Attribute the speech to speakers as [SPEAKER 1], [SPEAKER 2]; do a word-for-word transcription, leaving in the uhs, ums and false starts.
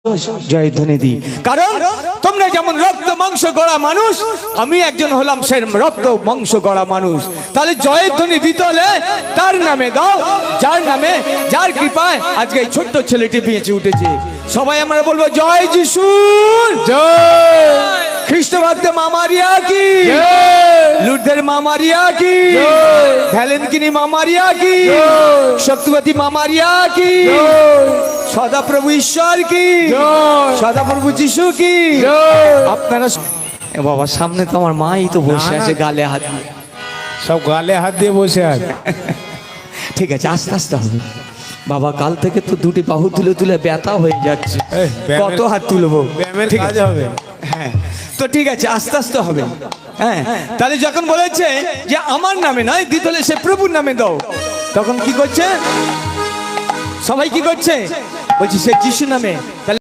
[SPEAKER 1] জয়ধ্বনি দিই, কারণ তোমরা যেমন রক্ত মাংস গড়া মানুষ, আমি একজন হলাম সে রক্ত মাংস গড়া মানুষ। তাহলে জয়ধ্বনি দিতে হলে তার নামে দাও, যার নামে, যার কৃপায় আজকে এই ছোট্ট ছেলেটি বেঁচে উঠেছে। সবাই আমরা বলবো জয় যিশু, জয় খ্রিস্ট ভক্ত মা মারিয়া কি, লুর্দের মা মারিয়া কি, ভ্যালেন্টিনি মা মারিয়া কি, শক্তিবতী মা মারিয়া কি, সদা প্রভু ঈশ্বর কি, সদা প্রভু যিশু কি। আপনারা বাবা সামনে তো আমার মাই তো বসে আছে, গালে হাত দিয়ে,
[SPEAKER 2] সব গালে হাত দিয়ে বসে আছে।
[SPEAKER 1] ঠিক আছে আস্তে আস্তে হবে বাবা। কাল থেকে তো দুটি বাহু তুলে তুলে ব্যথা হয়ে যাচ্ছে,
[SPEAKER 2] এই, ব্যায়ামের-
[SPEAKER 1] কত হাত তুলবো?
[SPEAKER 2] ব্যায়ামের
[SPEAKER 1] ঠিক
[SPEAKER 2] কাজ
[SPEAKER 1] আছে
[SPEAKER 2] হবে।
[SPEAKER 1] হ্যাঁ, তো ঠিক আছে আস্তে আস্তে হবে। হ্যাঁ, তাহলে যখন বলেছে যে আমার নামে নয় দিতে হলে সে প্রভুর নামে দাও, তখন কি করছে সবাই? কি করছে? বলছি সে যিশু নামে। তাহলে